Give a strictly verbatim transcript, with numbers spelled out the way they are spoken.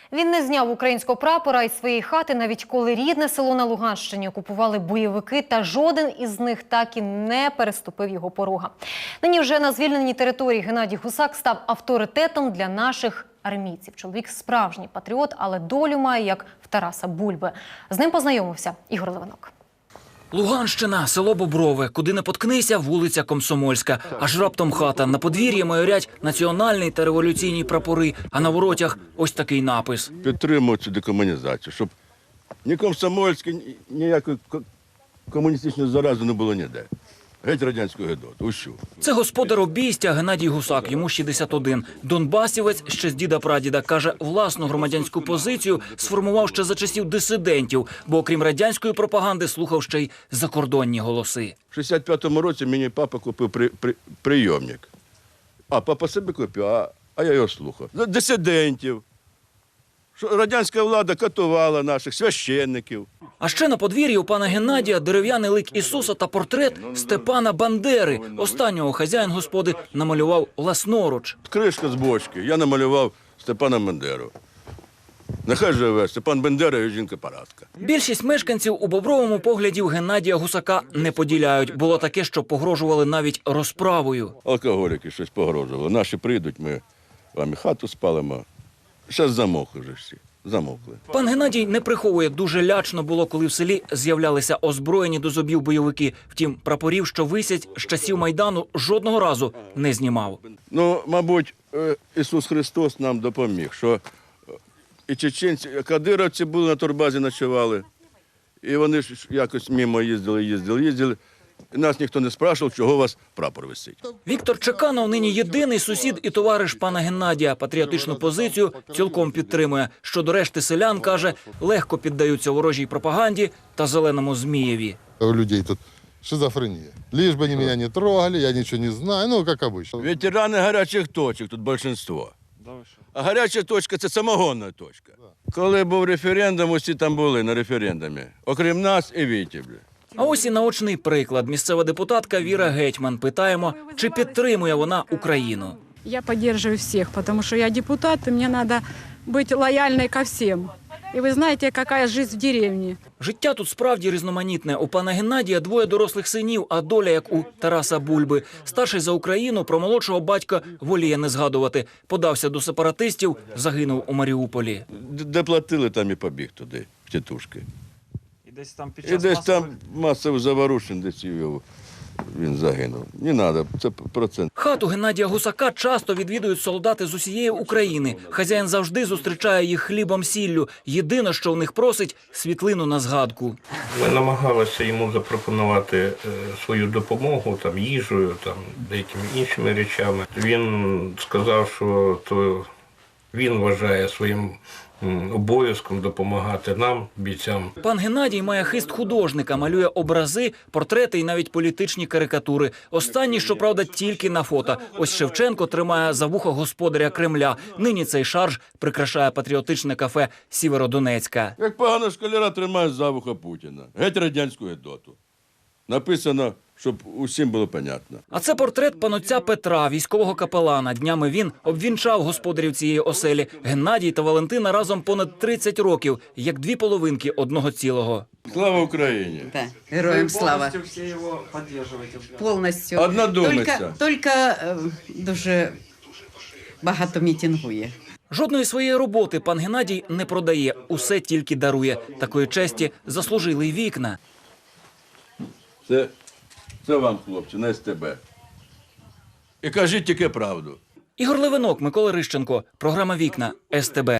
Він не зняв українського прапора із своєї хати, навіть коли рідне село на Луганщині окупували бойовики, та жоден із них так і не переступив його порога. Нині вже на звільненій території Геннадій Гусак став авторитетом для наших армійців. Чоловік справжній патріот, але долю має, як в Тараса Бульби. З ним познайомився Ігор Левинок. Луганщина, село Боброве. Куди не поткнися, вулиця Комсомольська. Аж раптом хата. На подвір'ї майорять національний та революційні прапори, а на воротях ось такий напис. Підтримую цю декомунізацію, щоб ні комсомольське, ніякої комуністичної зарази не було ніде. Геть радянську гидоту, усю. Це господар обійстя Геннадій Гусак, йому шістдесят один. Донбасівець ще з діда-прадіда. Каже, власну громадянську позицію сформував ще за часів дисидентів, бо окрім радянської пропаганди слухав ще й закордонні голоси. В шістдесят п'ятому році мені папа купив при, при, прийомник. А папа собі купив, а, а я його слухав. За дисидентів. Що радянська влада катувала наших священників. А ще на подвір'ї у пана Геннадія дерев'яний лик Ісуса та портрет Степана Бандери. Останнього хазяїн господи намалював власноруч. Кришка з бочки. Я намалював Степана Бандеру. Нехай живе Степан Бандера і жінка-парадка. Більшість мешканців у Бобровому поглядів Геннадія Гусака не поділяють. Було таке, що погрожували навіть розправою. Алкоголіки щось погрожували. Наші прийдуть, ми вам і хату спалимо. Зараз замовкли вже всі. Замовкли. Пан Геннадій не приховує, дуже лячно було, коли в селі з'являлися озброєні до зубів бойовики. Втім, прапорів, що висять з часів Майдану, жодного разу не знімав. Ну, мабуть, Ісус Христос нам допоміг, що і чеченці, і кадировці були на турбазі, ночували, і вони ж якось мимо їздили, їздили, їздили. І нас ніхто не спрашував, чого у вас прапор висить. Віктор Чеканов нині єдиний сусід і товариш пана Геннадія. Патріотичну позицію цілком підтримує. Щодо решти селян, каже, легко піддаються ворожій пропаганді та зеленому Змієві. У людей тут шизофрения. Лишь бы они меня не трогали, я ничего не знаю, ну, как обычно. Ветерани гарячих точок, тут більшість. А гаряча точка – це самогонна точка. Коли був референдум, усі там були на референдумі. Окрім нас і Вітівлі. А ось і наочний приклад. Місцева депутатка Віра Гетьман. Питаємо, чи підтримує вона Україну. Я поддерживаю всех, потому что я депутат, и мне надо быть лояльной ко всем. И вы знаете, какая жизнь в деревне. Життя тут справді різноманітне. У пана Геннадія двоє дорослих синів, а доля, як у Тараса Бульби. Старший за Україну, про молодшого батька воліє не згадувати. Подався до сепаратистів, загинув у Маріуполі. Де платили, там і побіг туди, в тітушки. І десь там під І час десь масових... там масових заворушень, десь його, він загинув. Не треба, це процент. Хату Геннадія Гусака часто відвідують солдати з усієї України. Хазяїн завжди зустрічає їх хлібом-сіллю. Єдине, що в них просить – світлину на згадку. Ми намагалися йому запропонувати свою допомогу, там, їжею, там, деякими іншими речами. Він сказав, що то він вважає своїм обов'язком допомагати нам, бійцям. Пан Геннадій має хист художника, малює образи, портрети і навіть політичні карикатури. Останні, щоправда, тільки на фото. Ось Шевченко тримає за вухо господаря Кремля. Нині цей шарж прикрашає патріотичне кафе Сєвєродонецька. Як погано школяра тримають за вуха Путіна. Геть радянську гидоту. Написано, щоб усім було понятно. А це портрет панотця Петра, військового капелана. Днями він обвінчав господарів цієї оселі. Геннадій та Валентина разом понад тридцять років, як дві половинки одного цілого. Слава Україні! Да, героям слава. Повністю всі його підтримуєте? Повністю. Однодумиця. Тільки, тільки е, дуже багато мітингує. Жодної своєї роботи пан Геннадій не продає, усе тільки дарує. Такої честі заслужили й вікна. Це, це вам, хлопці, на ес те бе. І кажіть тільки правду. Ігор Левинок, Микола Рищенко. Програма «Вікна» ес те бе.